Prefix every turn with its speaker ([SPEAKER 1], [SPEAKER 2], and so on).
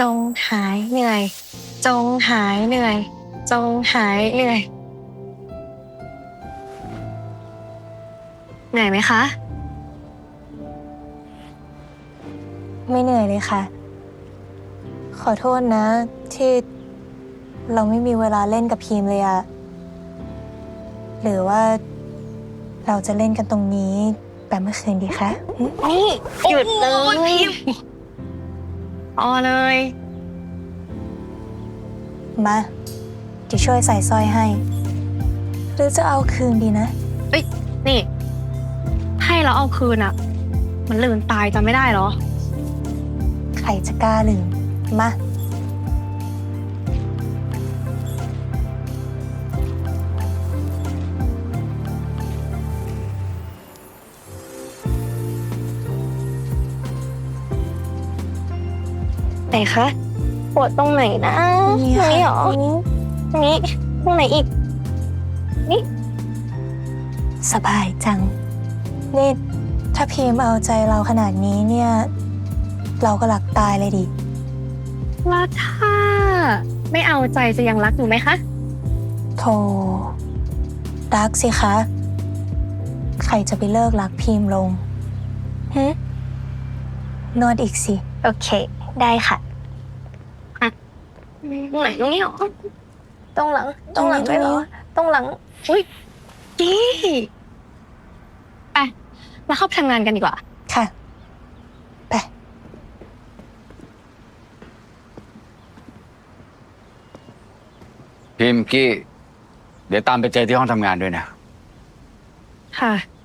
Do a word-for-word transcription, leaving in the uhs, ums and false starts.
[SPEAKER 1] จงหายเหนื่อย จงหายเหนื่อย จงหายเหนื่อย เหนื่อยไหมคะ
[SPEAKER 2] ไม่เหนื่อยเลยค่ะ ขอโทษนะที่เราไม่มีเวลาเล่นกับพีมเลยอะหรือว่าเราจะเล่นกันตรงนี้แบบเมื่อคืนดีคะ
[SPEAKER 1] นี่หยุดเลยพิมพอเลย
[SPEAKER 2] มาเดี๋ยวช่วยใส่สร้อยให้ หรือจะเอาคืนดีนะ
[SPEAKER 1] เอ้ย นี่ ให้เราเอาคืนอะมันลืมตายจำไม่ได้เหรอ
[SPEAKER 2] ใครจะกล้าลืม มา
[SPEAKER 1] ไหนคะปวดตรงไหนนะ
[SPEAKER 2] นี่
[SPEAKER 1] ตรง
[SPEAKER 2] ค่ะ
[SPEAKER 1] นี้เหรอ
[SPEAKER 2] ตรงนี้
[SPEAKER 1] ตรงนี้ตรงไหนอีก นี่
[SPEAKER 2] สบายจัง นี่ ถ้าพีมเอาใจเราขนาดนี้เนี่ย เราก็หลักตายเลยดิ
[SPEAKER 1] แล้วถ้าไม่เอาใจจะยังรักอยู่ไหมคะ
[SPEAKER 2] โธ่รักสิคะ ใครจะไปเลิกรักพีมลงฮึนวดอีกสิ
[SPEAKER 1] โอเค ได้ค่ะอ่ะตรงไหนตรงนี้เหรอ ตรงหลัง ตรงหลัง
[SPEAKER 2] ตรงนี้
[SPEAKER 1] ด้วยเหรอ ตรงหลัง อุ้ยดีไปมาเข้าไปทำงานกันดีกว่า
[SPEAKER 2] ค่ะ ไป
[SPEAKER 3] พิมพ์กี้ เดี๋ยวตามไปเจอที่ห้องทำงานด้วยนะ
[SPEAKER 1] ค่ะ